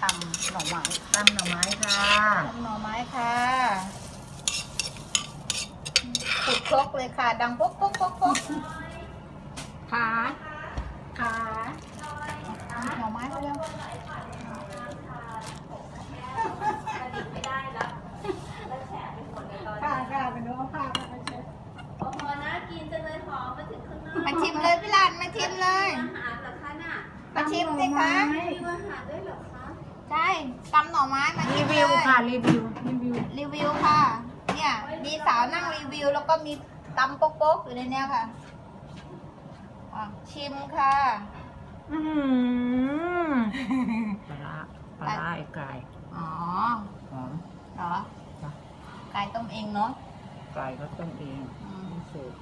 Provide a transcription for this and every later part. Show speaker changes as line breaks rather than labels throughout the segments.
ำหน่อไม้
ตำหน่อไม้ค่ะ
ตำหน่อไม้ค่ะขุดครกเลยค่ะ ดังป๊กป๊กป๊กป๊กขาหน่อไม้ไปเร็วค่ะเป็นน้องผ้ามาเช็ด
โอ้โหน่ากินจังเลยหอมมาถึงข้างนอก
มาชิมเลยพี่หลานมาชิมเลย
อาหารเหรอคะน่ะ
มาชิมสิคะ
มีอาหารด้วยเหรอคะ
ใช่ตำหน่อไม้มา
รี
ชิม
วิว
เลย
ค่ะรีวิว
รีวิวค่ะ เนี่ยมีสาวนั่งรีวิวแล้วก็มีตำโป๊กๆอยู่ในเนี้ยค่ะอ่ะชิมค่ะ
อื้อหือปลาร้าไอ้ไก่
อ๋อ
หอม
เหรอ
จ้ะ
ไก่ต้มเองเนาะ
ไก่ก็ต้มเอง
อืม
สูตร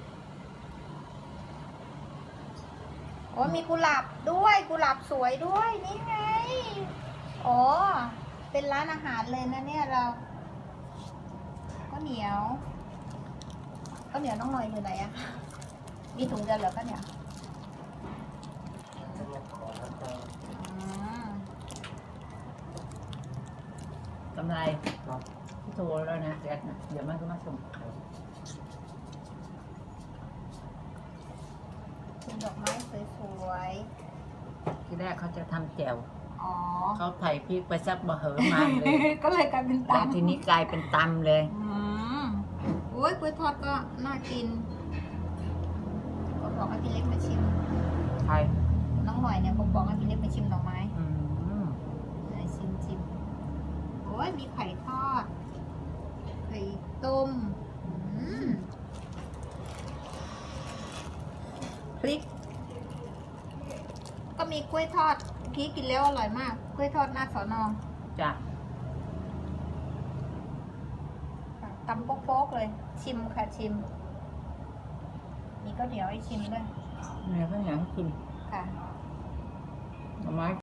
โอ้มีกุหลาบด้วยกุหลาบสวยด้วยนี่ไงอ๋อเป็นร้านอาหารเลยนะเนี่ยเราก็เหนียวน้องหน่อยอยู่ไหนอะมีถุงเดียวเหรอก็เหนียวอืม
กำไรที่โทรแล้วนะแจ็คนะเดี๋ยวมันก็มาส่ง
ชิมดอกไม้สวย
ที่แรกเขาจะทำแจ่ว
ๆอ๋อ
เขาไผ่พริกไปซับมะเหือมาเลย
ก็เลยกลายเป็น
แล้ว
ตำ
ทีนี้กลายเป็นตำเลย
อืมโอ้ยกล้วยทอดก็น่ากินก็บอกให้พี่เล็กมาชิม
ไทย
น้องหน่อยเนี่ยบอกให้พี่เล็กมาชิมหน่อไม้
อืม
ไหนชิมโอ้ยมีไข่ทอดไข่ต้มอืมพริก ก็มีกล้วยทอดเมื่อกี้กินแล้วอร่อยมากกล้วยทอดหน้าสอนอ
จ้ะ
ตำโป๊กๆเลย ชิมค่ะชิม มีข้าวเหนียวให้ชิมด้วย
เนี่ยข้าวเหนียวกิน
ค่ะ
หน่อไม้